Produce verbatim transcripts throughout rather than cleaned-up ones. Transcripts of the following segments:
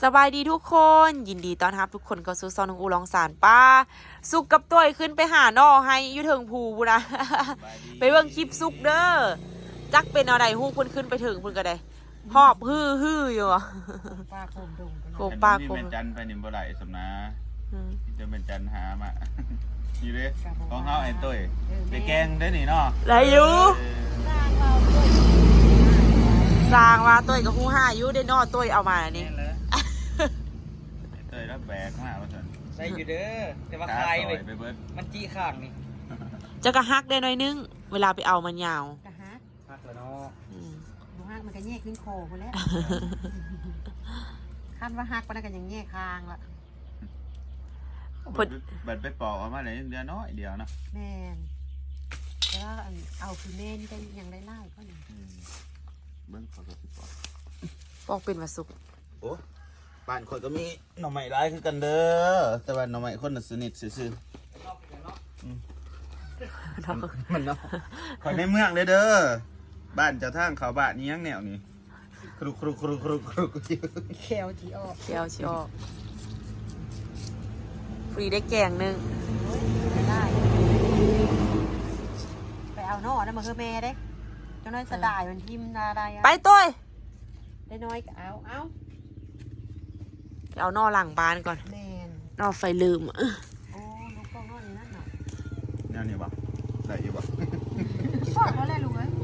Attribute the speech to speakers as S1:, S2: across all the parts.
S1: สบายดีทุกคนยินดีต้อนรับทุกคนเข้าสู่ซอนของอูลองสารป้าสุกกับตัวขึ้นไปหาหน่อให้อยู่เทิงภูบุนะ ไปเบิ่งคลิปสุกเด้อจักเป็นอะไรฮู้เพิ่นขึ้นไปถึงเพิ่นก็ได้หอบฮือฮืออยู่อ่ะ
S2: ปลาโคมดง
S1: โคมปลาโคม
S3: เป็นจันไปนิมบ่ได้สำนะ
S1: อืม
S3: จะเป็นจันหามา อยู่เด้ของเฮาไอ้ตุ้ย
S2: เออ
S3: ไปแกงได้นี่เนาะ
S1: ได้อยู่
S3: เออ
S2: สร้างเราด้วย
S1: สร้างว่าตัวก็ฮู้ห้าอยู่ได้นอตัวเอามานี่
S3: แม่นเลยไอ้ตุ้ยรับแบกมาว่าซั่น
S4: ใส่อยู่เด้อแต่ว่า
S3: ขา
S4: คาย
S3: ซ
S4: ไป
S3: อยไปเบิด
S4: มันจี้ข้างนี่
S1: จะกระฮักได้หน่อยนึงเวลาไปเอามันยาว
S2: กะฮัก
S4: พักแล้วเนาะ
S1: อืม
S2: หนูฮักมันก็แยกขึ้นโคคนแล้วคันว่าฮักปานนั้นก็ยังแยกคางละ
S3: เบิดเบิดไปปอกออกมาได้เดือนน้อยเดียวเนาะ
S2: แม่นแต่ว่าอันเอาคือแม่นี่ได้ยังได้ไล่ก็นี่
S3: อืมเบิ่งขอก็สิปอก
S1: ปอกเป็นว่าสุก
S3: โอ้บ้านคนก็มีหน่อไม้หลายคือกันเด้อแต่ว่าหน่อไม้คนน่ะสนิทซื่อๆมันเนาะข่อยในเมืองเด้อเด้อบ้านเจ้าทางเขาบ้านนี้ยังแนวนี้ครุกครุกครุกครุกครุก
S2: แขวที่ออก
S1: เชียวชิออกฟรีได้แกงหนึง
S2: ได้ไล่ไปเอานอนะมาคือแม่เด้เจ้าน้อยสะดายมันทิ่มนาได้อะ
S1: ไปตัว
S2: ได้น้อยก็เอาเอา
S1: เอานอหลังบ้านก่อน
S2: แม่น
S1: นอไฟลืมอะ
S2: โอ้ลูกกองน้อยนี่นั่นเนาะ
S3: แนวนี้บ่ได้อยู่บ่
S2: พอดแล้วแหละลูกเอ้ย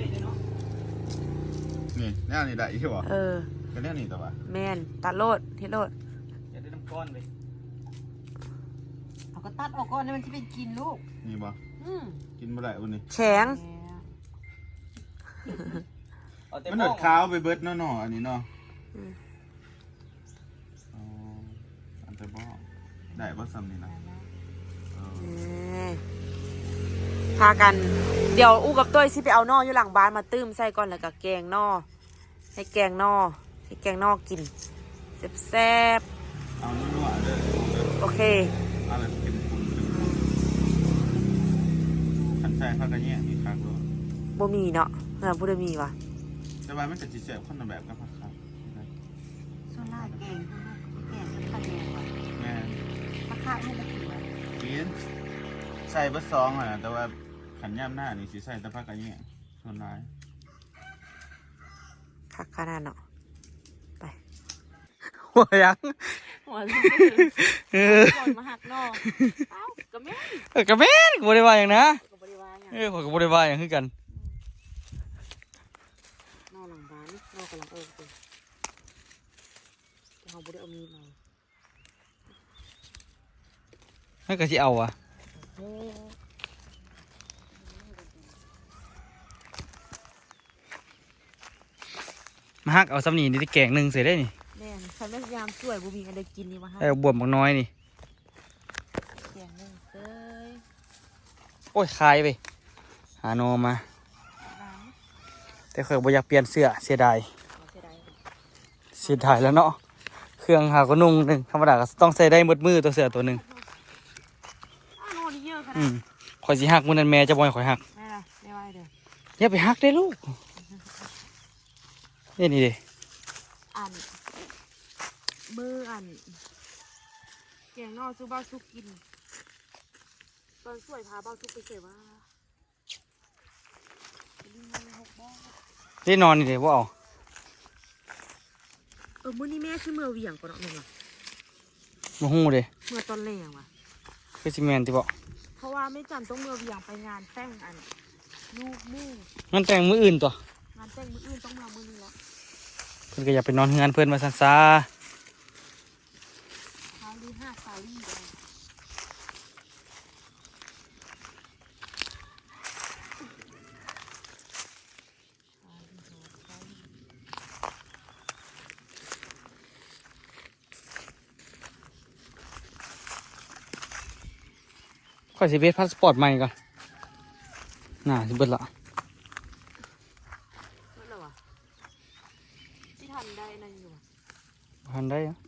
S3: นี่แนวนี้ได้อยู่บ่
S1: เออ
S3: ก็แนวนี้แต่ว่า
S1: แมนตัดโลดเทโลด
S4: อย่าได้น้ำก้อนเลย
S2: เอาก็ตัดออกก่อนนี่มันจะเป็นกินลูก
S3: นี่บ่
S2: อืม
S3: กินบ่ได้วันนี้
S1: แข็ง
S2: แหม
S4: เอาแต่
S3: มัน
S4: ห
S3: ห
S4: ม้
S3: น
S4: อ
S3: ดขาวไปเบิดเนาะเนาะอันนี้เนาะ
S1: อืม
S3: อ๋ออันแต่บ่ได้บ่ซ้ำนี่นะเออ
S1: นี่พากัน เดี๋ยวอู้กับต้ยสิไปเอานออยู่หลังบ้านมาตื้มใส่ก่อนแล้วก็แกงนอให้แกงนอให้แกงนอกินแซ่บ
S3: เอานัวๆเด้อเด้อ
S1: ๆโอเค
S3: เอาแบบเข้มข้นคันใส่ข้าวกระแยะมีคักด้วย
S1: บ่มีเนาะเฮือนผู้ใดมีวะ
S3: แต่ว่ามันก็สิแซ่บคนละแบบกับผักครับ
S2: ส่วนลายแกงแกงมันขัดแย้งว่ะ
S3: แม่
S2: มะขามให้ละเอียด
S3: กินใส่เบิดซองอ่ะแต่ว่าขันย่ำหน้านี่สิใส่แต่ผักกระแยะส่วนหลาย
S1: คักขนาดเนาะไป
S4: หัวยัง
S1: หัวก่อนมาหักนอเอ้ากระแม่
S4: เออกระเบนกูได้ว่าอย่างนะ
S1: ก็บ่ได้ว่าหยัง
S4: เออผมก็บ่ได้ว่าอย่างคือกัน
S1: นอหลังบ้านนอกำลังเอิ้นตัวแต่เฮาบ่ได้เอามีดมา
S4: ให้ก็สิเอาอ่ะ
S1: โอ้
S4: มาฮักเอาซ้ำนี่นี่แกงหนึงเสร็จได้นี่
S1: แม่นฉันพยายามช่วยบ่มีอันใดกินนี่มาให้
S4: เอาบวมบักน้อยนี่
S1: แกงนึงเซ้ย
S4: โอ้ยคายไปหาโนมา
S1: บ้าน
S4: แต่เคยบ่อยากเปลี่ยนเสื้อเสียดาย
S1: บ่เสียดาย
S4: เสียดายแล้วเนาะเครื่องหาก็นุ่งหนึงธรรมดาก็ต้องใส่ได้หมดมือตัวเสื้อตัวหนึง
S1: อ้าวนอนนี่เยอะข
S4: อื
S1: นาด
S4: มข่อยสิฮักมื้อนั้นแม่จะบ่ให้ข่อยฮัก
S1: แม่ล่ะแม่ว่าให้เด้อ
S4: อย่าไปฮักได้ลูกนี่นี่เด้
S1: อันมืออันแกงนอสู้บ้าวสุกกิน ตอนสวยพาบ้าวสุกไปเสว่า
S4: ได้นอนนี่เด้บ่เอา
S1: เออมื้อนี้แม่ชื่อเมื่อเหวี่ยงก่อนเนาะแม่นว่ะ
S4: บ่ฮู้เด้
S1: เมื่อตอนแรงว่ะ
S4: คือสิแม่นติบ่
S1: เพราะว่าแม่จันต้องเมื่อเหวี่ยงไปงานแต่งอันลูกมู่
S4: มันแต่งมื้ออื่นตัว
S1: งานแต่งมื้ออื่นต้องมามื้อนี้แล้ว
S4: เพิ่นก็อยากไปนอนเฮือนเพิ่นว่าซั่นซะ
S1: เช้าลีห้าซาลี่เลย
S4: ข่อยสิเวทพาสปอร์ตใหม่ก่อนน่าสิเบิดละ
S1: นั่นแหละวะที่ทันได้นั่นอยู่
S4: บ่ทันได้อะ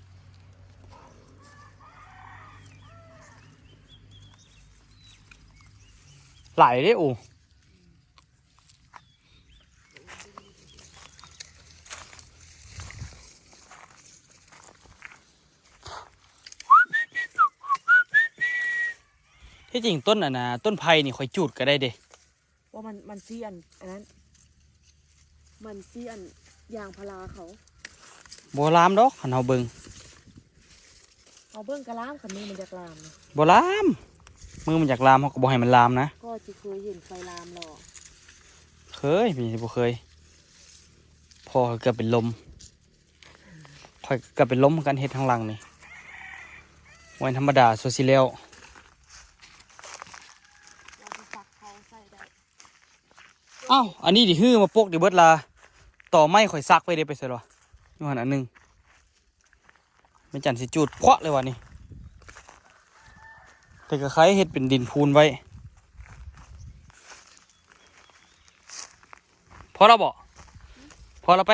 S4: หลายเด้โอ้ที่จริงต้นอ่ะนะต้นไผ่นี่ข่อยจูดก็ได้เด้
S1: ว่ามันมันซีอันอันนั้นมันซีอันยางพาราเขา
S4: บ่ลามดอกคันเฮาเบิ่ง
S1: เอาเบิ้งกระลามคันนี้มันจะกลามนะ
S4: บ่ลามมือมันอยากลามเฮาก็บ่ให้มันลามนะ
S1: ก็จะเคยเห็นไฟลามหรอ
S4: เคยพี่บ่เคยพ่อเกือบเป็นลมข่อยเกือบเป็นลมเหมือนกันเฮ็ดทางหลังนี่วันธรรมดาโซซิแล้ว
S1: เราจะซักเขาใส่ได้
S4: อ้าวอันนี้ดิฮื้อมาปกดิเบิดลาต่อไม้ข่อยซักไปเด้ไปใส่หรออยู่หั่นอันหนึงไม่จันสิจูดเพาะเลยว่ะนี่แต่ก็คล้ายเฮ็ดเป็นดินพูนไว้พอเราบ่พอเราไป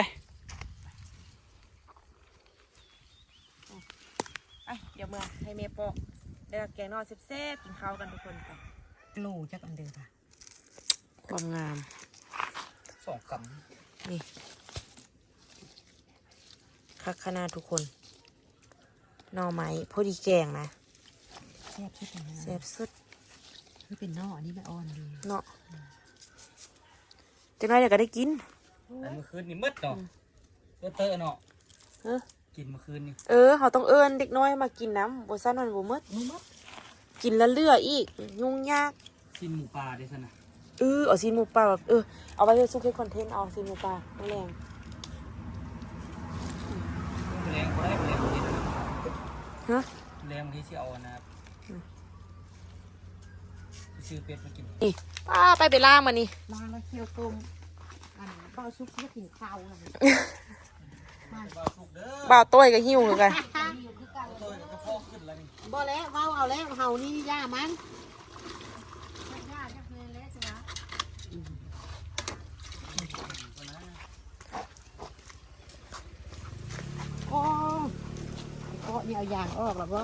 S1: ไอ้เดี๋ยวเมื่อให้เมย์ปอกได้แกงนอนแซ่บๆกินข้าวกันทุกคนค่ะ
S2: โลจักอันเดิมค่ะ
S1: ความงาม
S4: สองค
S1: นี่คักขนาดทุกคนหน่อไม้พอดีแกงนะ
S2: แซ่บชุดนะ
S1: แซ่บสุด
S2: คือเป็นนอกอันนี้ไม่อ่อนดี
S1: เนาะจังไรเดี๋ยวก็ได้กิน
S4: ำอันเมื่อคืนนี่มืดเนาะเตอเตอเนาะ
S1: เอ้อ
S4: กินเมื่อคืนนี่
S1: เออเขาต้องเอิ้นเด็กน้อยมากินน้ำบ่ซั่นมันบ่หมด
S2: นุ่มมั้ย
S1: กินแล้วเลืออีกยุ่งยาก
S4: กินหมูปลาได้ซะนะ
S1: เออเอาซีนหมูป่าแบบเออเอาไปเพื่อซุกให้คอนเทนต์เอาซีนหมูป่าไม่แรง
S4: แรงบ่ได้บ่แรงบ่ได้
S1: ฮะ
S4: แรงบางทีสิเอาอันนะครับสิซื้อเป็ดมากิน
S1: นี่ป้าไปไปล่ามานี่
S2: มาแล้วเคี่ยวต้มอันเบาซุปเพื่อกินข้าวนะ
S4: บ่สุกเด้อ
S1: บ่าวต้อยกับหิวคือกัน
S4: โตยก็พอขึ้นแล้วนี่
S2: บ่แล้วเว้าเอาแล้วเฮานี่ย่ามันโอ้ก็นี่เอายางออกแล้วบ่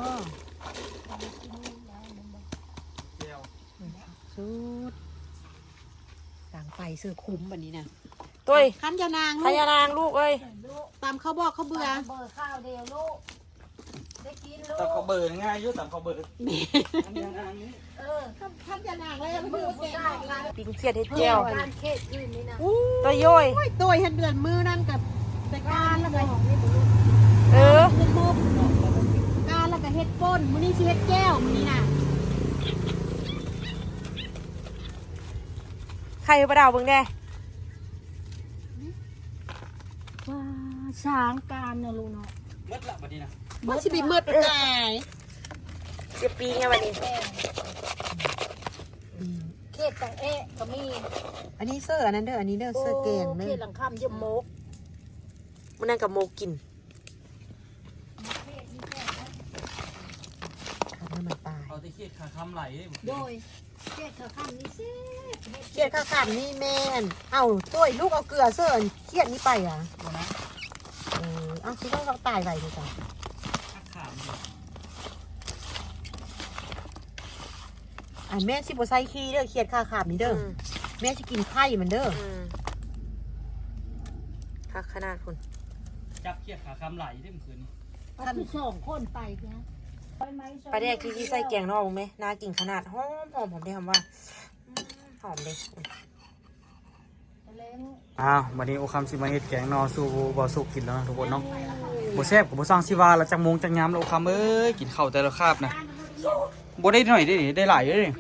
S4: แก้ว
S2: สุดต่างไปเสื้อคุ้มแบบนี้นะ
S1: ต้อย
S2: ขันยานาง
S1: พญานางลูกเอ้ย
S2: ตามเขาบอกเขาเบื่อ
S5: เบอร์ข้าวเดียวลูก ได้กินลู
S4: ตาม
S5: ก
S4: เขาเบิดง่ายอยู่ตามเขาเบิดอันนี้อันนี้
S5: เออ
S2: ขันยานางเลยเบื่อแก่
S1: ปิงเขียดเฮ็ดแก้ว
S5: การเขตอื่นนี่นะ
S1: ต้อยโย้ย
S2: โอ้ยตัวเห็นเดือนมือนั่นกับแต่การแล้วก็
S1: เออ
S2: เฮ็ดบุบการแล้วก็เฮ็ดก้นมื้อนี้สิเฮ็ดแก้วมื้อนี้น่ะ
S1: ใครประดาวเบิ่งแน่
S5: ว้าช้างการนะลูกเนาะ
S4: มืดละบัดนี้นะ
S2: มันสิบิมืดไปตาย
S1: เสียปีไงวันนี้
S5: เขตต่างเอะก็มี
S2: อันนี้เสื้ออันนั้นเด้ออันนี้เด้อเสื้อแกง
S5: เข
S2: เด้
S5: ต
S2: อ
S5: หลังคำเยี่ยมโมก
S1: มันนั่งกับโมกิน
S2: ขันมันตาย
S4: เอาที่เคียดขาคำไหลเด้
S5: โดยเขตเธอคำนี่สิ
S2: เครียดข้าวขันนี่แม่นเอ้าตัวลูกเอาเกลือเสื้อเครียดนี่ไปอ่ะ
S4: บ่นะ
S2: เออเอาคิดว่าเราตายไปดีกว่า
S4: ขาขามอยู่
S2: อันแม่สิบ่ใส่ขี้เด้อเครียดข้าวขาบนี่เด้อ
S1: อืม
S2: แม่สิกินไข่มันเด้อ
S1: อืมคักขนาดคุณ
S4: จับเคียดขาคำไหลได้เมื่อคืนนี้
S5: เอาผู้สองคนไปนะไปไหม
S1: ปลาแดกที่ที่ใส่แกงนอกไหมน่ากินขนาดหอมหอมผมได้คำว่าอืมหอมเลย
S5: เล้ง
S4: อ้าววันนี้โอคำสิมาเฮ็ดแกงนอสู่บ่สุกกินแล้วนะทุกคนเนาะบ่แซ่บก็บ่สร้างสิว่าแล้วจักโมงจักยามแล้วโอคำเอ้ยกินข้าวแต่ละคาบนะบ่ได้หน่อยได้ดิได้หลายเด้อนี่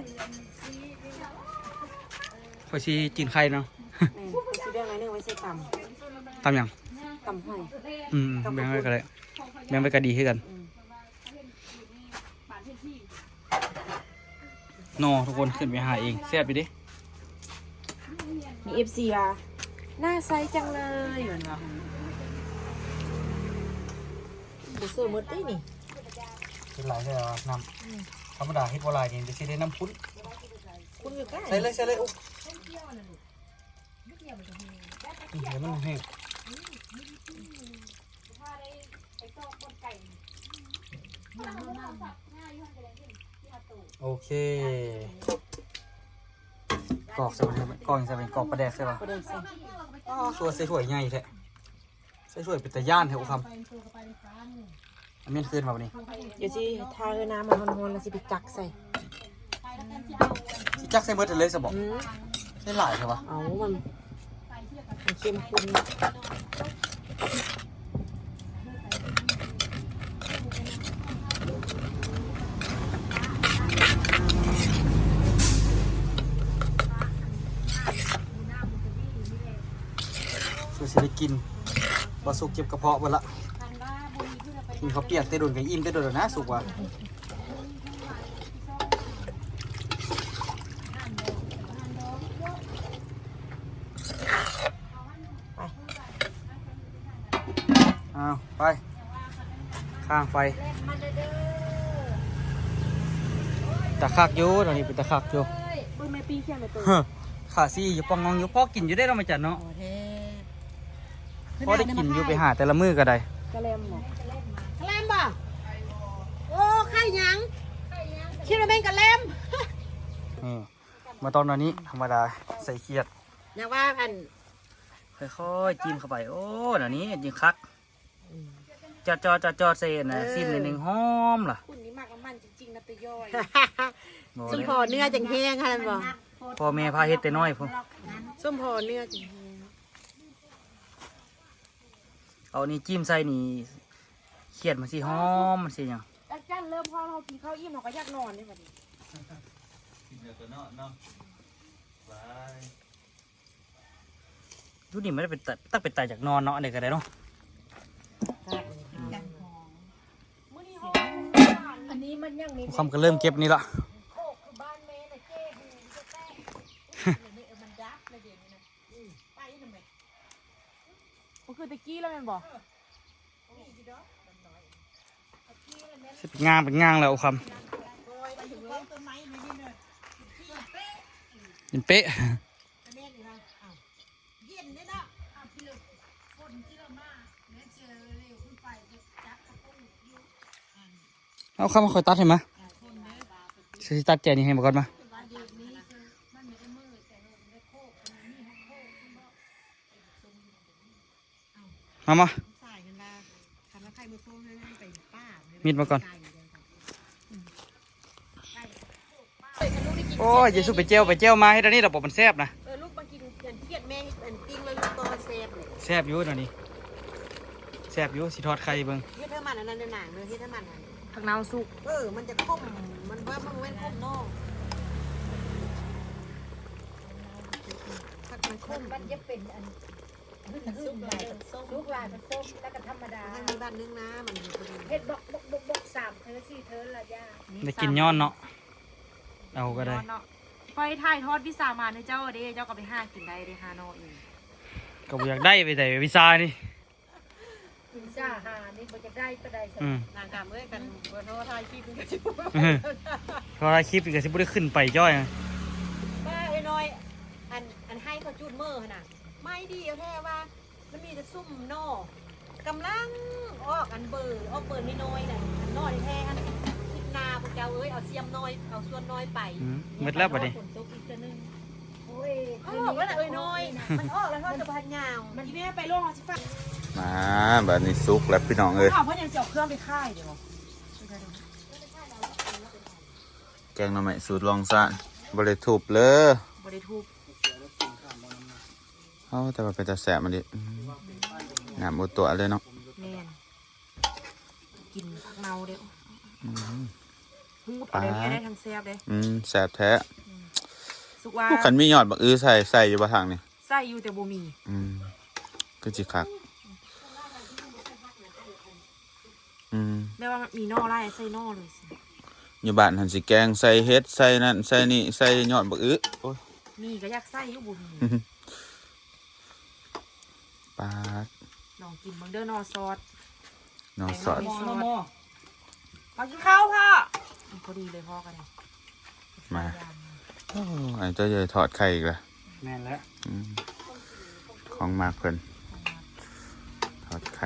S4: ข่อยสิกินไข่เนาะ
S1: แม่ไปซื้อเรื่องอะไรนึงไว้ใส่ต
S4: ตามหยัง
S1: ำตำหอย
S4: อืมแบ่งไว้ก็ได้แบ่งไว้ก็ดีคือกันนอทุกคนขึ้นไปหาเองแซ่บอยู่เดิ
S1: มีเอฟซีว่ะหน้าใสจังเลยเหมือนว่าบุเซอร์มดได้นี่
S4: กินหลายใช่ไหมน้ำธรรมดาเฮ็ดบ่หลายนี่จะสิได้น้ำพุ้น
S1: คุณอยู่ใกล้
S4: ใส่เลยใส่เลยอุ๊บเดี๋ยวมันแห้งโอเคกรอกใส่ไปเลยกรอกใส่ไปกรอกปลาแดกใช่ป่ะ
S1: ประเด็นสิ
S4: ตัวใส่ถ้วยใหญ่แท้ใส่ถ้วยเป็นตะย่านแท้อุคำอันนี้คืนมาวันนี้
S1: เดี๋ยวสิทาเอน้ำมันร้อนๆแล้วสิไปจักใส่
S4: สิจักใส่เบิดเลยซะบ่
S2: อืม
S4: ใส่หลายใช่ปะ
S2: เอามันมันเข้มข้น
S4: คือสิได้กินบ่สุกเจ็บกระเพาะเบิดละกินข้าวเปียกแต่โดนก็อิ่มแต่โดนแล้วนะสุกว่ะอ้าวไปข้างไฟตะคักอยู่ตอนนี้เป็นตะคักอยู่
S5: ปืนไม่ปีเขียนเลยตัว
S4: เฮ้อขาซี่อยู่ปองงองอยู่พ่อกินอยู่ได้เราะมาจัดเนาะ
S2: โอ้เท่
S4: พ่อได้กินอยู่ไปหาแต่ละมื้อก็ได้
S5: กระเลมหมอก
S2: ระแลมบ่โอ้ไข่หยังคิดว่าเป็นกระแลม
S4: นี่มาตอนนี้ธรรมดาใส่เขียด
S2: อยากว่าอัน
S4: ค่อยๆจิ้มเข้าไปโอ้เดี๋ยวนี้ยิงคักจอดจอดจอดจอดเซนนะสิ้นหนึ่งหอมล่ะ
S5: คุณนี่มากกับมันจริงๆนะตัวย่อย
S4: บอก
S2: ส้ม
S4: เลย
S2: พอเนื้อจังแห้งค่ะท่านบอก
S4: พ่อแม่พาเฮ็ดแต่น้อยพุ่น
S2: ส้มพอเนื้อจังแห้ง
S4: เอานี่จิ้มใส่นี่เขียดมันสิหอมมันสิหยัง
S5: อาจารย์เริ่มพอเรากินข้าวอิ่มเราก็อยากนอนนี่บัดนี้
S4: ดูนี่ไม่ได้เป็นตาตั้งเป็นตายจากนอนเนาะอันนี้ก็ได้เนาะ
S5: อันนี้มันยังมี
S4: คำก็เริ่มเก็บนี่ละ
S5: โคกคือบ้านแม่น่ะเจ้หูจะแตกนี่มันดับเลยเดี๋ยวนี้นะไปทำไมมันคือตะกี้แล้วแม่นบ่
S4: สิเป็นงางเป็นงางแล้วเอาคำเป็นเป๊ะเอาคำมาคอยตัดให้มาสิตัดแจนี่ให้มาก่อนมามามามีดมาก่อนโอ้ยเยซูไปเจียวไปเจียวมาให้ตอนนี้เราบอกมันแซ่บนะ
S2: เออลูกมากินเนเครียดแม่งเป็นติ้งเลยลูกตัวเซฟเลย
S4: แซ่บอยู่ตอนนี้แซ่บอยู่สิทอดไข่เบิ่ง
S2: เฮ็ดให้มันอันนั้นในหนังเลยเฮ็ดให้มันอันนั้น
S5: ผักนาวสุก
S2: เออมันจะคมมันว่ามันเว้นคมนอกผัดมันคม
S5: มันจะเป็นอันซุกลายซุกลายผสมแล้วก็ธรรมดา
S2: ให้มีบ้านนึงนะมันพอดี
S5: เฮ็ดบอกบอกบอกบอกสามเธอสี่เธอละย่า
S4: ได้กินย้อนเนาะเอาก็ได้
S1: คอยถ่ายทอดพิซซ่ามาให้เจ้าเด้เจ้าก็ไปห้ากินได้เด้ฮานอเอง
S4: ก็บ่อยากได้ไปแต่วิซานี่
S5: กินซ่าหานี่บ่จะได้ก็ได้
S4: อืม
S2: นางกามเอ้ยกันเบอร์โทรถ่ายคลิปมันก็สิ
S4: เพราะว่าคลิปอีกก็สิบ่ได้ขึ้นไปจ้อยนะ
S2: ป้าไอ้น้อยอันอันให้เขาจูดมือน่ะไม่ดีเอาแท้ว่ามันมีแต่ซุ่มนอกกำลังออกอันเบอร์ออกเบอร์น้อยๆน่ะอันน้อยแท้อันคิดนาพวกเจ้าเอ้ยเอาเสียมน้อยเอาส่วนน้อยไป
S4: อืมหมดแล้วบัดนี้
S5: ฝนตกอีกตัวนึงโอ้ย
S2: ออกแล้วน่ะเอ้ยน้อยมันออกแล้วเขาจะพันยาว
S1: มันที่แม่ไปล่วงเอาสิฟ้า
S3: มาแบบนี้ซุกแล้วพี่น้องเอ้ย
S1: ข้าวเพราะยังเสียเครื่องไปค่ายเดี๋ยว
S3: แกงหน่อไม้สูตรลองซะบริถูบเลย
S1: บริทูบ
S3: เอาแต่ว่าเป็นตาแสบมันดิอืมหนามอุตัวเลยเนาะ
S1: แม่นกินผักเนาเดี๋ยว
S3: อืม
S1: ฮูดเอาเดี๋ยวนี้ได้ทั้งแซ่บเลย
S3: อืมแสบแท้
S1: สุกว่า
S3: ผู้ขันมียอดบักอื้อใส่ใส่อยู่บ่ทางนี่
S1: ไส้อยู่แต่บ่มี
S3: อืมก็จิคักอืม
S1: แม่ว่ามันมีนอไล่ไส้นอเลยสิ
S3: อยู่บ้านหันสิแกงใส่เฮ็ดใส่นั่นใส่นี่ใส่ยอดบักอื้อโอ้ย
S1: มีก็อยากไส้อยู่บ่มี
S3: ปาด
S1: ลองกินเบิ่งเด้อนอซอส
S3: นอสอด
S1: มอมอมากินข้าวพ่อพอดีเลยพ่อกันเลย
S3: มาโอ้ไอ้เจ้าใหญ่ถอดไข่อีกแล้ว
S4: แม่นแล้ว
S3: อืมของมากเพิ่นทอดไข่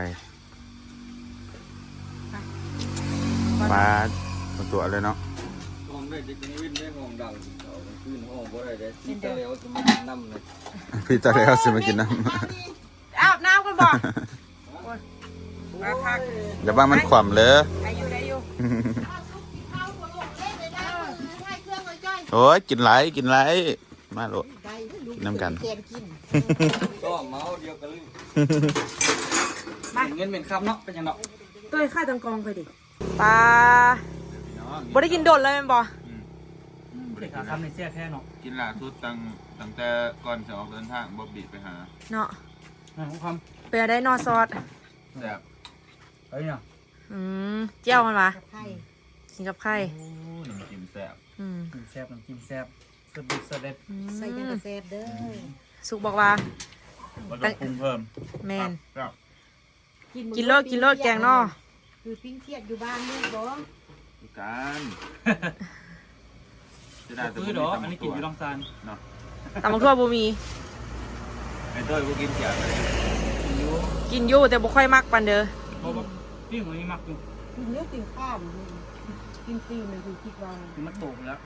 S3: ปลาตัวเลยเนาะ
S6: ห้องได้จะกินวินได้ห้องดังเขาขึ้นห้องบ่ได้ได้ที่ตะเลวจะมานั่มเลย
S3: พี่ตาแล้วสิมากินน้
S1: อาบน้ำกันบ่มาพัก
S3: ำอย่าบ้ามันขวำเลย
S1: ได้อยู่ได้อยู่
S3: โอ้อ้ยกินไรกินไรมาโลด
S2: ได้ลูก
S3: น้ำกัน
S2: แกนกิน
S6: ก็เมาเดียวกันเลย
S4: เงินเป็นคำเนาะเป็นยังเนาะ
S1: ตัวค่าตังกองไปดิปลาบ่ได้กินโดดเลยแม่นบ่
S4: เด็กขาคำในเสี้ยแค่เนาะ
S3: กินล่าสุดตั้งตั้งแต่ก่อนจะออกเดินทางบ๊อบบี้ไปหา
S1: เนาะ
S4: นะคำ
S1: ไปเอาได้นอซอส
S3: แซ่บ
S4: เฮ้ยเนาะ
S1: อืมเจียวมันวะ
S2: ไข่
S1: กินกับไข่
S3: โอ้น้ำจิ้มแซ่บ
S1: อืม
S4: กินแซ่บน้ำจิ้มแซ่บสดดิบสดเด็ด
S1: อืม
S2: ใส่ยังกระแซบเด้อ
S1: สุกบอกว่า
S3: ก็ต้องปรุงเพิ่ม
S1: แมน
S3: ครับ
S1: กินโลดกินโลดแกงนอ
S2: คือปิ้งเทียดอยู่บ้านนี่บ่
S3: คือการจะได้แต่
S4: คือ
S3: บ่
S4: ดอก
S3: มี
S4: อันนี้กินอยู่ลองซาน
S3: เนาะ
S1: ตำบักทั่วบ่มี
S3: ไอ้เต้ยบ่กินเสียเลย
S4: กินอยู่
S1: กินอยู่แต่บ่ค่อยมักปานเด้อ
S4: เพราะว่าพี่มันนี่มักอยู่
S2: กินเนื้อกินข้าวอยู่กินตีนเลยคือคิดว่า
S4: คือมันโตไปแล้ว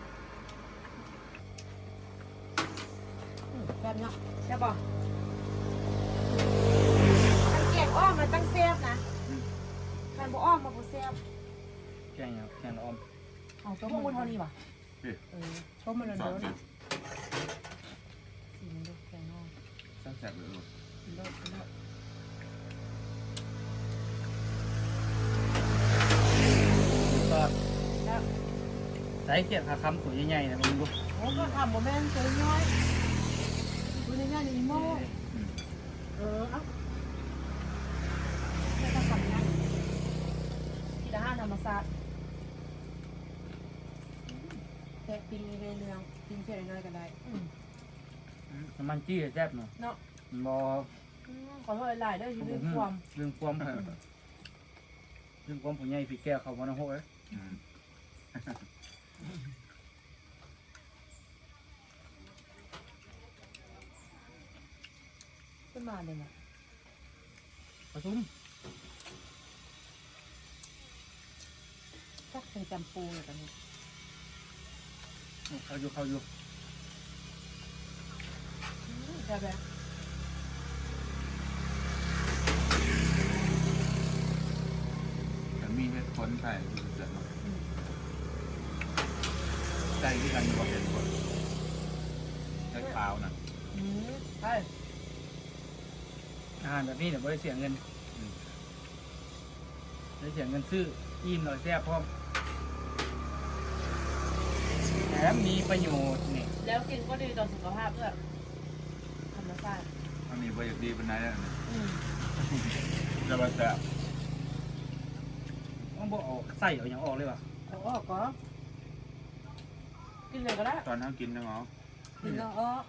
S2: แซ่บเนาะ
S1: ใช่บ่
S2: ไอ้แกงอ้อมมันตั้งแซ่บนะ
S1: คันบ่อ้อมมาบ่แซ่บ
S4: แกงครับแกงละออม
S1: เอาตัวพวกมันเท่านี้ว่ะ
S2: เออชมมันเลย
S3: สอน
S2: เด้อ
S3: นะ
S1: กินโลดแกงนอ
S3: แซ่บๆเลยลูก
S1: กินโลดกินโลด
S4: ก็ใส่เกียดขาคำตัวใหญ่ๆนะมึงดู
S2: โอ้ก็ทำบ่แม่นตัวน้อยตัวนี้นี่อีโม่เออเอ้าไม่ต้องทำนะ
S1: กินอาหารธรรมชาติ
S2: แค่ปิ้งในเรืองปิ้งแค่น้อยๆก็ได้
S4: น้ำมันจี้แซ่บเนาะ
S1: เนาะ
S4: บอ
S1: อืมขอโทษหลายๆเด้อที่ลืมความ
S4: เรื่องความเรื่องความผู้ใหญ่พี่แก้วเขาวันนั้นโหย
S3: อืม
S1: ขึ้นมาเลยน่ะ
S4: ผสม
S2: จักเป็นจำปูเลยกันนี้
S4: เขาอยู่เขาอยู่
S1: ใช่ไหม
S3: แต่มีเฮ็ดคนใส่คือเสร็จเนาะใส่ที่กันอยู่บ่เห็นคนใส่ขาวน่ะ
S1: อืมใช่
S4: อาหารแบบนี้เดี๋ยวไม่ได้เสียเงินไม่ได้เสียเงินซื้ออิ่มหน่อยแซ่บพร้อมแถมมีประโยชน์นี่
S1: แล้วกินก็ดีต่อสุขภาพด้วยธรรมชาติ
S3: อันนี้บ่อยากดีปานใดอ่ะ
S1: อืม
S3: จะบ่แซ่บ
S4: ต้องบอกออกใส่เอาอย่างออกเลยว่ะ
S2: เอาออกก็
S1: กินเลยก็ได้
S3: ตอนนั้นกินนะหมอ
S2: กินแล้วออก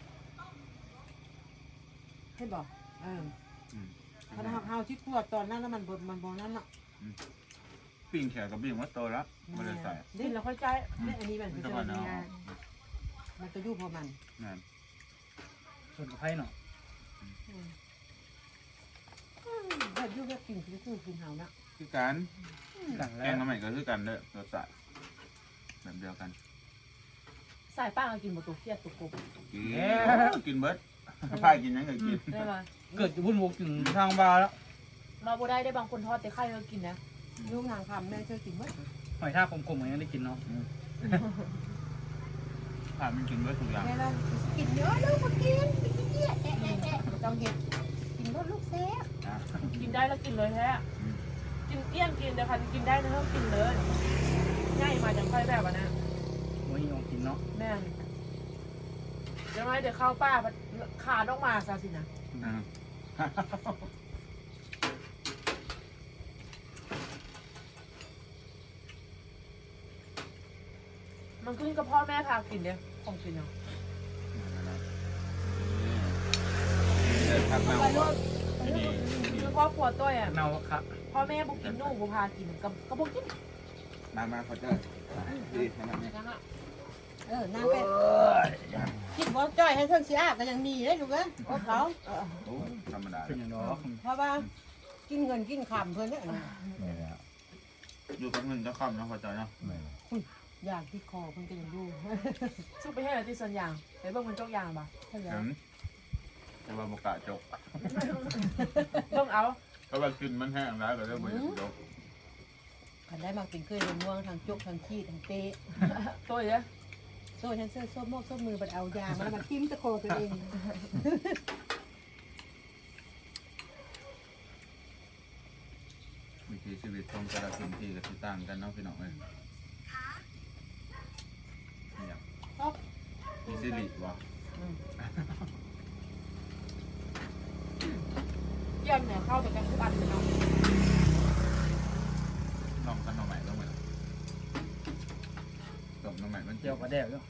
S2: ให้บอกเออ
S3: อืม
S2: ถ้าเฮาที่ขวดตอนนั้นแล้วมันบดมันบ่นั่นน่ะ
S3: ปิ้งแขกกับปิ้งว่าโตแล้วบ่ได้ใส่
S1: กินแล้วค่อยใจ
S2: นี่อันนี้มัน
S3: มัน
S2: จะ
S3: จะว่า
S2: มี
S3: เนาะ
S2: งานมันจะอยู่พอมัน
S3: นั่น
S4: ส่วนกับไผ่เนาะ
S2: ถ้าอยู่ก็กินคือคือกินเฮานะ
S3: คือกัน
S4: กัน
S3: แก
S4: แล้
S3: ง
S4: ว
S3: น้ำใหม่ก็คือกันเด้อรสชาติแบบเดียวกัน
S1: สายป้าก็กินหมดตัวเครียดตัวกบ
S3: กินกินเบิดพายกินหยังก็กิน
S1: ได้ไหม
S4: เกิดจะวุ่นวกถึงทางบาร์แล้ว
S1: มาบ่ได้ได้บางคนทอดแต่ไข่ก็กินนะ
S2: ลูกนางคำแม่เคยกินมั้ย
S4: หอยทากกลมๆอย่างนี้ได้กินเนาะ
S3: พายมันกินเบิดทุกอย่าง
S2: แม่เรากินเยอะลูกมากินกินเยอะแอะแอะแอะต้องเห็ดกินรสลูกแซ่บ
S3: นะ
S1: กินได้แล้วกินเลยแท้กินเอี้ยนกินแต่คันกินได้นะเพิ่มกินเลยง่ายมาจากค่อยแบบอ่ะนะ
S4: โอ้ยยองกินเนาะ
S1: แม่นเดี๋ยวไงเดี๋ยวเข้าป้าขาต้องมาซะสินะ
S3: อ่า
S1: มันขึ้นกับพ่อแม่พากินเนี่ยของกินเนาะ
S3: เดินทางมา
S1: ไปโลด
S3: ที่นี่
S1: คือครอบครัวตัวอ่ะ
S4: เนาครับ
S1: พ่อแม่บุกกินนู่บุพากินกับก็บุกกิน
S3: มามาเขาเจอดีขนาดนี้
S1: นะฮะ
S2: เออนางเป็ดคิดว่าจ้อยให้เพิ่งสิอาก็ยังมีได้ลูกเอ้ยโอ้เขา
S3: โอ้ธรรมดา
S4: เป็นอย่างเนาะ
S2: เพราะว่ากินเงินกินคำเพิ่นเนี่ย
S3: อยู่แป๊บนึงจะคำนะเขาเจอเนาะ
S2: อยากที่คอเพิ่นก็ยังอยู่
S1: สู้ไปให้อะไรที่ส่วนยางไปเบิ่งมันจกยางป่ะ
S2: ใช่แล้
S3: เห็
S2: วน
S3: แต่ว่าบกาจก
S1: ต้องเอา
S3: ก็ว่ากินมันแห้งแล้วก็เริ่มบ่อยากจก
S2: คันได้มากินเคยเป็นม่วงทางจกทางขี้ทางเป๊ะ
S1: ตัวเยอะ
S2: โซ่ฉันเสื้อส้มโมกส้มมือบัดเอายามาแล้วมาทิ่มตะโคตัวเอง
S3: วิถีชีวิตของแต่ละพื้นที่ก็สิต่างกันเนาะพี่น้องเอ้ยเนี่ยมีสิริวะ
S1: เยี่ยมเนี่ยเข้าแต่กันทุกอันเลยเนาะ
S3: ลองกันหน่อใหม่ลงไปตบหน่อใหม่มัน
S4: เจียวกระแดกเนาะ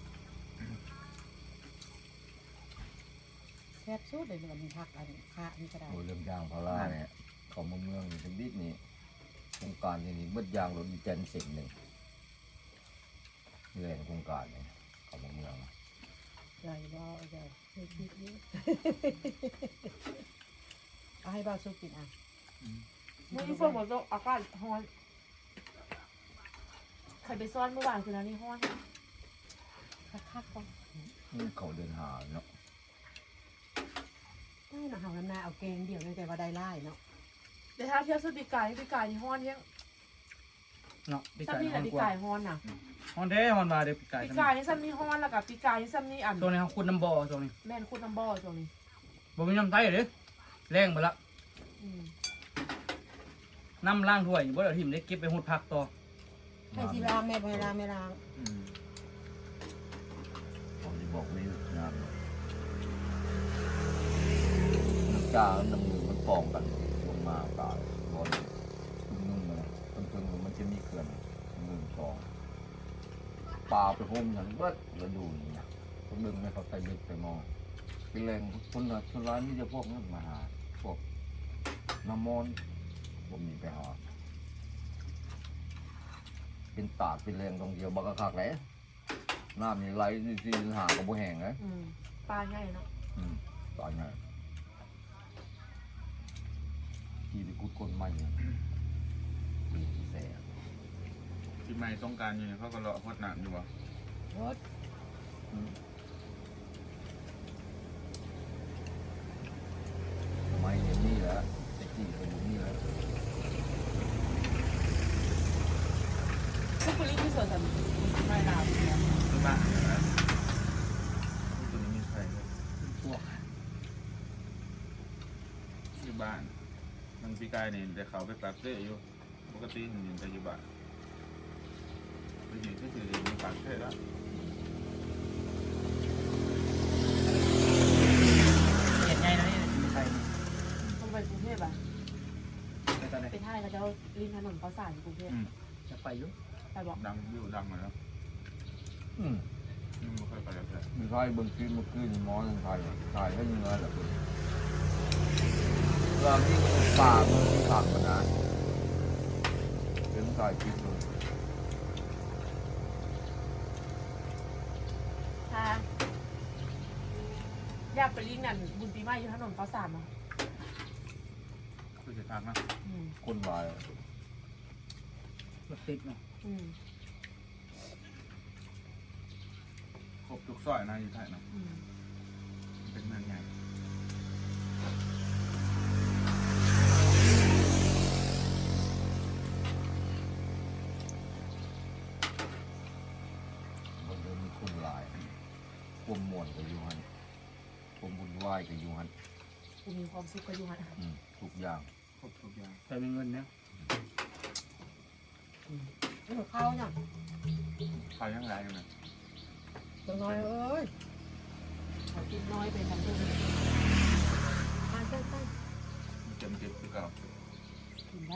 S2: แซ่บสุดเลยเนี่ยมันผักอันขาอันกระดาษ
S6: โอ้เรื่องยางพาราเนี่ยเขามาเมืองนี่เป็นดิบนี่โครงการนี่นี่เบิดยางรถอีแจนเสร็จหนึ่งนี่แหละโครงการเนี่ยเขามาเมือง
S2: ใหญ่บ่ใหญ่ไม่คิดนี้เอาให้บ่าวสุกกินอ่ะ
S1: มื่อนี้ฝนหมดแล้วอากาศร้อนใครไปซ่อนเมื่อวานคืนนั้นนี่ร้อน
S2: คักๆก่อน
S6: นี่เขาเดินหาเนาะ
S2: ไม่มาหาลำนาเอาแกงเดียวเลยแต่ว่าได้ไล่เนาะ
S1: แต่ถ้าเที่ยวสุดปีกายปีกายนี่ร้อนยัง
S4: เนาะปีก
S1: ซ้ำ
S4: ไก่
S1: นี่แห
S4: ฮอ
S1: ละ
S4: น
S1: ปี
S4: กว่า
S1: กายร้อนน่ะ
S4: ฮอนแท้ฮอนมาเด้อปีกไก่
S1: ปีกายนี่ซ้ำนี่ร้อนแล้วกับปีกายนี่ซ้ำนี่อัน
S4: ตัวนี้เขาขุดน้ำบ่อตัวนี้
S1: แม่นคุณน้ำบ่อตรงนี้
S4: บ่มีน้ำไตเด้อแรงไปละ
S1: อืม
S4: น้ำล้างถ้วยอยู่บ่ได้ทิ่มได้เก็บไปหดผักต่อ
S2: ให้ที่ล้างแม่ไปล้างไม่ล้าง
S3: อืม
S6: ผมจะบอกนี่งานน้ำจ้าน้ำมือมันปองกันลงมาตายบอลตึงนุ่งเลยตึงตึงมันจะมีเขื่อนหนึ่งสองปลาไปโฮมอย่างเบิดแล้วดูนี่นะคนดึงไม่เขาไปดึกไปมองเป็นแรงคนละคนร้ายนี่จะพวกนั้นมาหาพวกน้ำมนต์ผมมีไปหาเป็นตาดเป็นแรงตรงเดียวบักกะคักเลยน้ำนี่ไหลที่หากับบัวแห้งเลย
S1: อืมปลาใหญ่เนาะ
S6: อืมตอนนี้ที่ไปกุดคนใหม่เนี่ยปีที่แสบ
S3: ที่ไม่ต้องการอยู่เนี่ยเขาก็เลาะพดหนักอยู่วะ
S2: รถ
S6: อืมไม่เห็นนี่แหละแต่ที่ไปอยู่นี่แหละ
S1: ทุกคนรีบที่สวนสัตว์ไม่ดาวเนี่ย
S3: ที่บ้านเนี่ยนะตัวนี้มีใครครับ
S4: พวก
S3: ที่บ้าน มันปีกายนี่แต่เขาไปปรับเสื้ออยู่ปกติมันอยู่แต่อยู่บ้านไปอยู่ที่สื่อมันปรับเสื้อแล้ว
S4: เห็ดไงนะนี่มีใคร
S1: ต้องไปกรุงเทพอ่ะ
S4: ไปตอนไหน
S1: ไปท่ายเขาจะริมถนนเขาสายอยู่กรุงเทพ
S3: อืม
S4: จะไปอยู่
S1: ไปบอก
S3: ดังอยู่ดังมาแล้ว
S6: อืม
S3: อืมไม่ค่อยไปแล้วแต่
S6: มีใครเบิ่งคลิปเมื่อคืนหมอทางไทยถ่ายให้ยังไงล่ะคุณเราที่ป่ามันมีผักมานานเป็นถ่ายคลิปเลย
S1: ถ้าอยากไปลิงนั่นบุญปีใหม่อยู่ถนนเขาสามอ่ะ
S3: คือจะทางนะ
S1: อืม
S6: คนวาย
S4: รถติดเนาะ
S1: อืม
S3: ครบทุกซอยนะอยู่ไทยเนาะ
S1: อืม
S3: เป็นเมืองใหญ่
S6: มันเลยมีคนหลายความม่วนกับยูฮันความบุญไหวายกับยูฮัน
S1: กูมีความสุขกับอยู่ฮะ
S6: อืมทุกอย่าง
S3: ครบทุกอย่าง
S4: แต่มีเงินเนี่ย
S2: นี่ของเขาเนี่ย
S3: ขายยังไงอยู่เนี่ย
S2: ตัวน้อยเอ้ย
S1: เขากินน้อยไปทั้งตัว
S2: ทานสั้น
S3: มันเต็มเต็มคือเก่า
S1: กินได้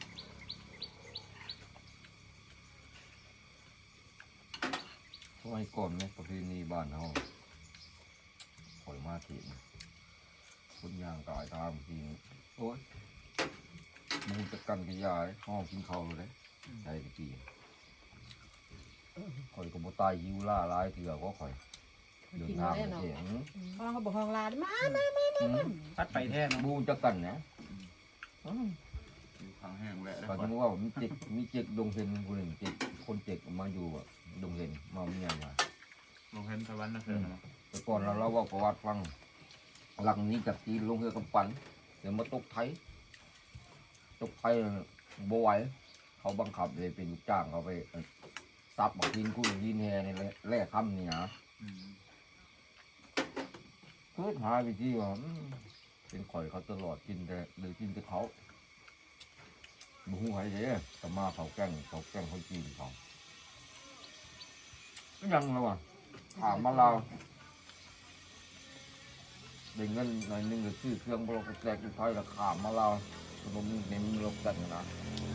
S6: สมัยก่อนเนี่ยประเพณีบ้านเขาคอยมาทีนะคนย่างกายทางจริงโอ้ยมูจะกันกระยายห้องกินข้าวเลยได้ตะกี้คอยกับโบตายยิวล่าลายเถื่อก็คอย
S2: ๆ
S6: เดิน
S2: กิน
S6: ทาง
S2: ได้
S6: ไป
S2: เนาะ
S6: เอง
S2: ห้องเขาบอกห้องลาดมามา
S6: อืม
S4: พัดไปแท้เนาะ
S6: บูจะกันนะอืม
S3: อยู่ทางแห้งแหละแล้ว
S6: ก็
S3: ก็
S6: จะว่ามีเจ็กมีเจ็กดงเห็นคนหนึ่งเจ็กคนเจ็กมาอยู่อะดงเห็นมาเมียมา
S3: ลงเห็นตะวันนะเพื่อนเนาะ
S6: แต่ก่อนเราเล่าว่าประวัติฟังหลังนี้จากจีนลงเรือกำปั้นเดี๋ยวมาตกไทยตกไทยบ่ไหวเขาบังคับเลยเป็นลูกจ้างเขาไปซับบอกกินกุ้งกินแฮนี่แหละแร่คำนี่นะ
S3: อืม
S6: เพื่อหาวิธีว่าอืมเป็นข่อยเขาตลอดกินแต่หรือกินแต่เขาบูฮู้หายเด้แต่มาเขาแกล้งเขาแกล้งเขาจีนเขาก็ยังแล้วว่ะถามมาเราได้เงินหน่อยหนึงหรือซื้อเครื่องบล็อกแจกอีกถอยราคามาเราขนมเน้นลกกันนะ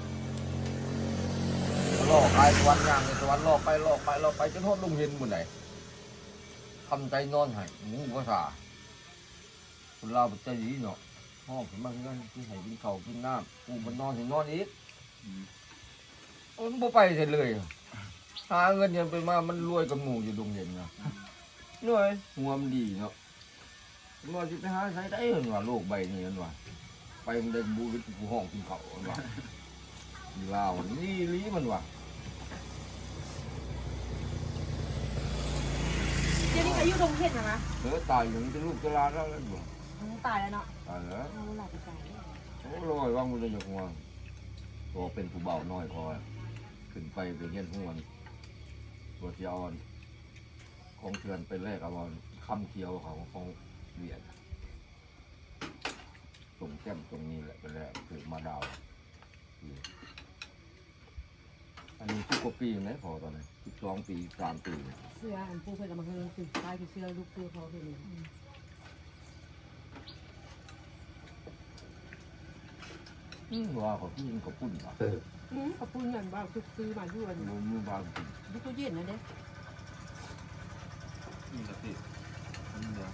S6: ล่อไปสวรรค์ย่างในสวรรค์ล่อไปล่อไปล่อไปจนทอดลุงเห็นหมดไหนทำใจนอนให้หมูภาษาคนเราใจดีเนาะห้องผมมาเงินกินไห้กินข้าวกินน้ำกูมันนอนถึงนอนอีก
S3: อืม
S6: มันบ่ไปเสร็จเลยหาเงินยังไปมามันรวยกับหมูอยู่ดงเย็นนะรวยหัวมันดีเนาะว่าจะไปหาใช้ได้เหรอว่าโลกใบนี้นั่นว่าไปมันได้บูริกูห้องกินข้าวนั่นว่าลาวนี่ลีมันว่า
S2: เดี๋ยวนี้อายุดงเห็ดนะนะ
S6: เออตายอย่างนี้จะลูกจะลาแล้วนั่นว่า
S2: อืมตายแล้วเนาะ
S6: ตายแล้ว
S2: เอาหลับไปตายแล้ว
S6: โอ้ลอยว่างมันจะยกหัวพอเป็นผู้เบาน้อยพอขึ้นไปไปเงี้ยหัวตัวเจียวของเถื่อนไปแรกเอาคำเคียวเขาของเหรียญตรงแก้มตรงนี้แหละไปแรกคือมาดาวอันนี้สิบกว่าปีไหมพอตอนนี้สิบสองปีสามปี
S2: เสื้ออันปูเพื่อนเอามาเฮือคือตายคือเสื้อลูกเสื้อเขาเป็น
S6: อืมว่าเขาพี่ยิงเขาปุ่นอ่ะ
S2: อืมขอบคุณเงินบ้างคือซื้อมาด้วย
S6: มือมือบางปุ่น
S2: ดูตู้เย็นนะเด้
S3: นี่กะทินี่เดียว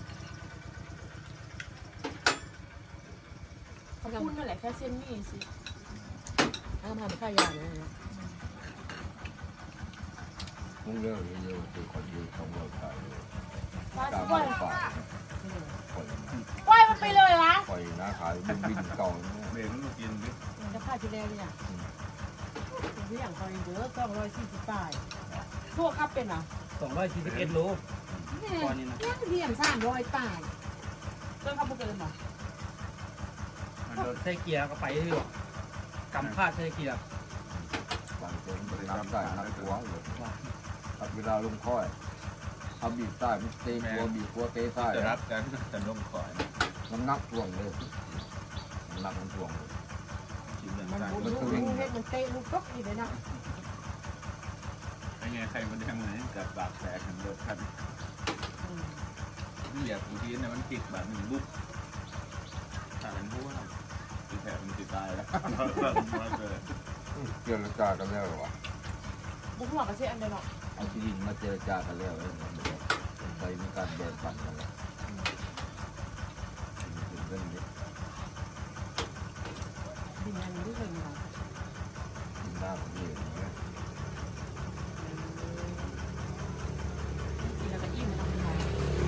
S2: ขอบคุณนั่นแหละแค่เส้นนี่สิเอามาเป็นข้าวยาเลยนะ
S6: มึงเลิกเยอะๆคือคนยืนต้องเลิกขายเลย
S5: ว่า
S6: ตาม
S5: ปล่อย
S6: ปากปล่อย
S5: ปล่อยมันไปเลยละ
S6: ปล่อยนะขายบินบินเก่า
S3: เบรกมันมากินดิ
S2: จะพาที่แรกเนี่ยเป็นอย่างคอยเบอร์สองร้อยสี่สิบแปดพวกครับเป็นอ่ะ
S4: สองร้อยสี่สิบเอ็ดโล
S2: นี่
S4: ตอนนี้นะ
S2: เนี่ยเรียนสามร้อยแปดเรื่องครับพวกเกินหรอ
S4: ใส่เกียร์ก็ไปเรื่อยกำพาดใส่เกียร์
S6: บางคนน้ำได้น้ำหัวเลยถ้าเวลาลงค่อยถ้าบีบใต้มันเตะหัวบีบหัวเตะใต้
S3: จะรับกันแต่ลงคอย
S6: น้ำหนักท่วงเลยน้ำหนักมันท่วงเลย
S3: กินเรื่อง
S2: มัน
S3: การ
S2: บุลูกลูกเฮ็ดมันเตะลูกตกอยู่เลยนะ
S3: ไอ้ไงใครมันแดงเหมือนกับปากแตกกันเลิกกันนี่อยากบางทีเนี่ยมันติดแบบหนึ่งบุกถ้าเป็นผู้ว่าติดแผลมันติดตายแล้วมาเกิด
S6: เจรจากันแล้วหรอวะ
S2: บุกหัวกระเซ็นอันเดียวเนาะ
S6: เอาที่ดินมาเจรจากันแล้วเลยไปมีการแบ่งปันกันแล้วเรื่องนี้
S2: ดินอันนี้เคยมีหรอ
S6: กินหน้าผมเองเนี่ย
S2: กินแล้วก็อิ่มทำไง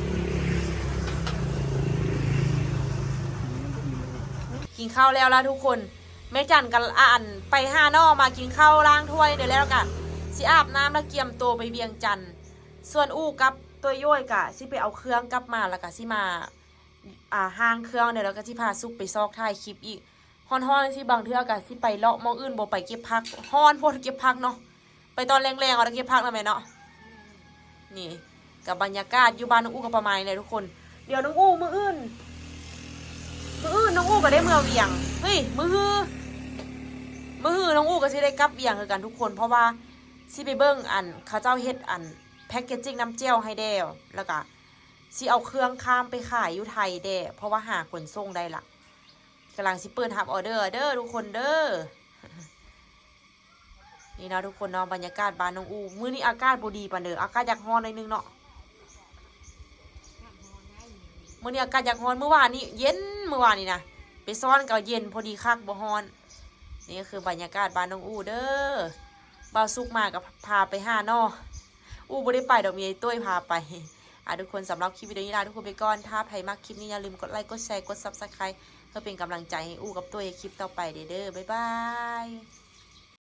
S1: กินข้าวแล้วล่ะทุกคนแม่จันกันอ่านไปห้านอมากินข้าวล้างถ้วยเดี๋ยวแล้วกันสิอาบน้ำแล้วเกียมตัวไปเวียงจันทน์ส่วนอู้กับตัวย่อยกะสิไปเอาเครื่องกลับมาแล้วก็สิมาอ่าห้างเครื่องเดี๋ยวแล้วก็สิพาซุกไปซอกท้ายคลิปอีกฮ้อนๆสิบางเทื่อกะสิไปเลาะมองอื่นบ่ไปเก็บผักฮ้อนโพดเก็บผักเนาะไปตอนแรงๆเอาแล้วเก็บผักแล้วแม่เนาะนี่กับบรรยากาศอยู่บ้านน้องอู้ก็ประมาณนี้เลยทุกคนเดี๋ยวน้องอู้มื้ออื่นมื้ออื่นน้องอู้ก็ได้เมื่อเวียงเฮ้ยมื้อฮือมื้อฮือน้องอู้ก็สิได้กลับเวียงคือกันทุกคนเพราะว่าสิไปเบิ่งอันเขาเจ้าเฮ็ดอันแพ็กเกจจิ้งน้ำเจียวให้แด้วแล้วก็สิเอาเครื่องข้ามไปขายอยู่ไทยแด้เพราะว่าหาขนส่งได้ละกำลังสิเปิดรับออเดอร์เด้อทุกคนเด้อ นี่นะทุกคนเนาะบรรยากาศบ้านน้องอูมื้อนี้อากาศบ่ดีปานเด้ออากาศอยากร้อนหน่อยนึงเนาะมื้อนี้อากาศอยากร้อนเมื่อวานนี้เย็นเมื่อวานนี้นะไปซ้อนก็เย็นพอดีคักบ่ร้อนนี่ก็คือบรรยากาศบ้านน้องอูเด้อบ่าวสุกมากับพาไปหาเนาะอูบ่ได้ไปดอกมีไอ้ตุ้ยพาไปอ่ะทุกคนสำหรับคลิปวิดีโอนี้ลาทุกคนไปก่อนถ้าใครมักคลิปนี้อย่าลืมกดไลค์กดแชร์กด ซับสไครบ์ เพื่อเป็นกำลังใจให้อู้กับตัวในคลิปต่อไปเด้อบ๊ายบาย